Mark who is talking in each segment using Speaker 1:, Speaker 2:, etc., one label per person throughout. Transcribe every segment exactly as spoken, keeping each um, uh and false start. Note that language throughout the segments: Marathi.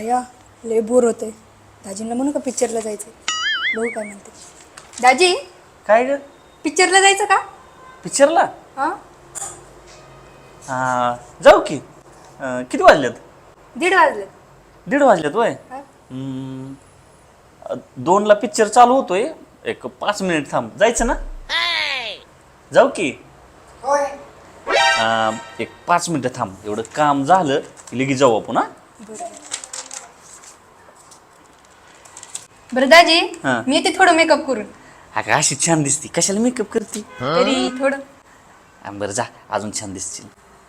Speaker 1: भैया लय बोर होते. दाजींना म्हणू का पिक्चरला जायचं? बघू काय म्हणते. दाजी
Speaker 2: काय ग
Speaker 1: पिक्चरला जायचं का?
Speaker 2: पिक्चरला
Speaker 1: हा
Speaker 2: हा जाऊ की. अं, किती वाजल्यात?
Speaker 1: दीड वाजले.
Speaker 2: दीड वाजल्यात वय. हम्म, अं, दोनला पिक्चर चालू होतोय. एक पाच मिनिट थांब. जायचं ना? जाऊ की. अं, एक पाच मिनिटं थांब. एवढं काम झालं की लगेच जाऊ आपण. हा
Speaker 1: बरं दाजी
Speaker 2: हा.
Speaker 1: मी येते थोडं मेकअप करून.
Speaker 2: अगं अशी छान दिसती. कशाला मेकअप करते?
Speaker 1: तरी थोडं.
Speaker 2: अं, बरं जा, अजून छान दिसतील.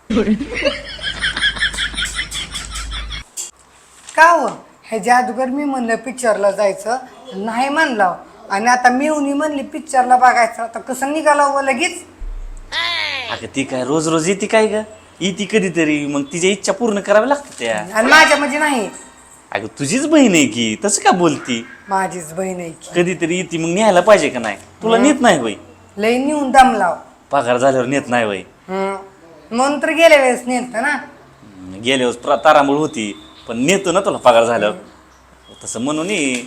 Speaker 3: का हो हे जादूगर मी म्हणलं पिक्चरला जायचं नाही म्हणलं आणि आता मिळून म्हणली पिक्चरला बघायचं आता कसं निघाला व लगेच.
Speaker 2: अगं ती काय रोज रोज येते काय ग? येते कधीतरी, मग तिच्या इच्छा पूर्ण कराव्या लागतात त्या.
Speaker 3: आणि माझ्या म्हणजे नाही,
Speaker 2: अगं तुझीच बहीण आहे की, तसं का बोलती?
Speaker 3: माझीच बहीण आहे की.
Speaker 2: कधीतरी येते मग न्यायला पाहिजे का नाही? तुला नेत नाही वय?
Speaker 3: लई नेऊन दम लाव.
Speaker 2: पगार झाल्यावर नेत नाही वय?
Speaker 3: हम्म. म्हणून तर गेल्या वेळेस नेत ना.
Speaker 2: गेल्यावर तारांबळ होती, पण नेतो ना तुला पगार झाल्यावर. तसं म्हणून ये.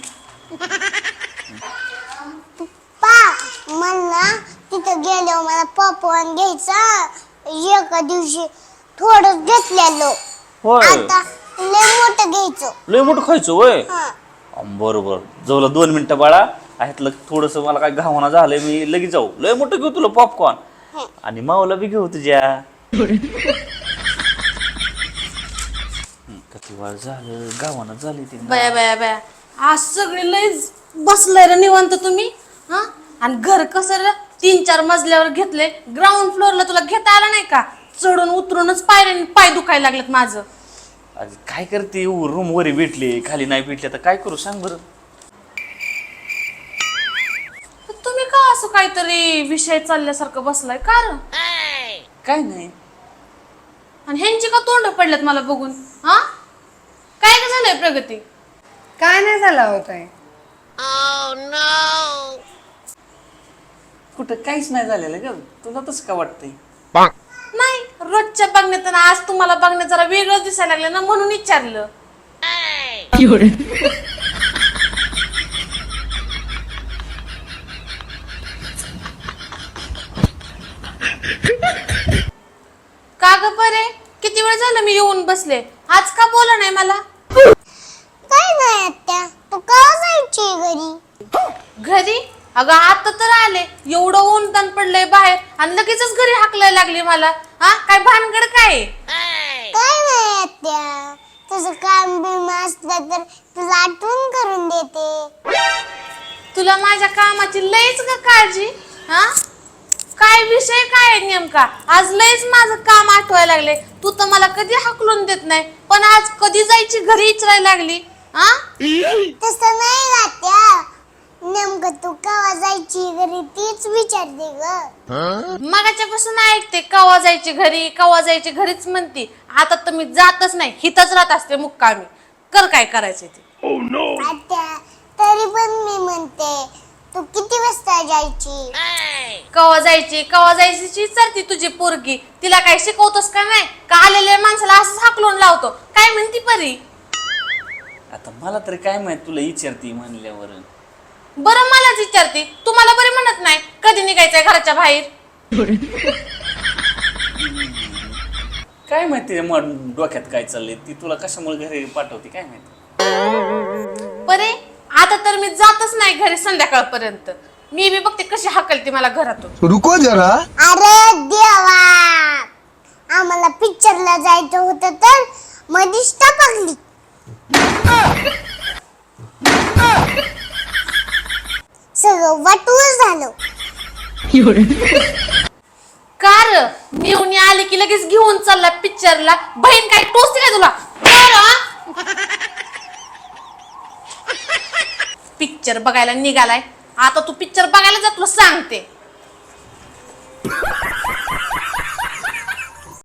Speaker 4: पप्पा मला तिथं गेल्यावर मला पॉपकॉर्न घ्यायचा. एका दिवशी थोडं घेतलेलं,
Speaker 2: होय,
Speaker 4: आता लय मोठं घ्यायचं.
Speaker 2: लय मोठं खायचं वय?
Speaker 4: हा.
Speaker 2: बरोबर. जवळ दोन मिनिटं बाळा. ह्यातलं थोडस मला काय घावना झालंय, मी लगेच जाऊ. लय मोठं घेऊ तुला पॉपकॉर्न आणि माऊला बी घेऊ तुझ्या. किती वेळ झालं गावानं झाली ती.
Speaker 5: बया बया बया आज सगळे लयच बसलाय रे निवांत तुम्ही. हा आणि घर कसं रे तीन चार मजल्यावर घेतले. ग्राउंड फ्लोअरला तुला घेता आला नाही का? चढून उतरूनच पायऱ्याने पाय दुखायला लागलेत माझं.
Speaker 2: अरे काय करते, रूम वर भेटले खाली नाही भेटले तर काय करू सांग बरं.
Speaker 5: तुम्ही का असं काहीतरी विषय चालल्यासारखं बसलाय का रे?
Speaker 2: काय नाही.
Speaker 5: आणि ह्यांची का तोंड पडल्यात मला बघून? हा काय का झालंय प्रगती?
Speaker 3: काय नाही झाला होता.
Speaker 2: कुठं काहीच नाही झालेलं ग. तुला तसं का वाटतंय?
Speaker 5: नाही, रोजच्या बघण्यात आणि आज तुम्हाला बघण्यात जरा वेगळं दिसायला लागलं ना, म्हणून विचारलं. का ग परे, किती वेळ झालं मी येऊन बसले, आज का बोला नाही मला?
Speaker 4: काय नाही आत्या, तू का जायची घरी?
Speaker 5: घरी? अगं आता तर आले. एवढं ऊन ताण पडलंय बाहेर आणि लगेचच घरी हाकलायला लागली मला. हा काय भानगड काय?
Speaker 4: काय नाही आत्या, तुझं काम बिम असलं तर तुला आठवण करून देते.
Speaker 5: तुला माझ्या कामाची लयच का काळजी? हा काय विषय काय आहे नेमका? आज लयच माझं काम आठवायला लागले. तू तर मला कधी हाकलून देत नाही, पण आज कधी जायची घरी इचरायला लागली. हा
Speaker 4: तसं नाही आत्या, नेमकं तू केव्हा जायची घरी तीच विचारते ग.
Speaker 5: मगाच्या पासून ऐकते कवा जायची घरी कवा जायची घरीच म्हणती. आता तर मी जातच नाही, हिथच राहत असते मुक्कामी. कर काय करायचं ते.
Speaker 4: आत्या तरी पण मी म्हणते, तू किती वाजता जायची?
Speaker 5: कवा जायची कवा जायची विचारती तुझी पोरगी. तिला काय शिकवतोस का नाही? का आलेल्या माणसाला असंच हाकलून लावतो? काय म्हणती परी?
Speaker 2: आता मला तरी काय माहित, तुला विचारती म्हणल्यावर.
Speaker 5: बरं मलाच विचारते, तुम्हाला बरे म्हणत नाही कधी निघायचंय घराच्या बाहेर?
Speaker 2: काय माहिती मग डोक्यात काय चाललंय, ती तुला कशामुळे घरी पाठवते काय माहिती.
Speaker 5: बरे आता तर मी जातच नाही घरी संध्याकाळपर्यंत. मी बी बघते कशी हाकलते मला घरातून.
Speaker 6: रुको जरा.
Speaker 4: अरे देवा, आम्हाला पिक्चरला जायचं होतं तर मधीच टपकली. सगळं वाटूच झालं.
Speaker 5: कार घेऊन आले की लगेच घेऊन चालला पिक्चरला. बहीण काय टोचते काय तुला? पिक्चर बघायला निघालाय. आता तू पिक्चर बघायला जा, तुला सांगते.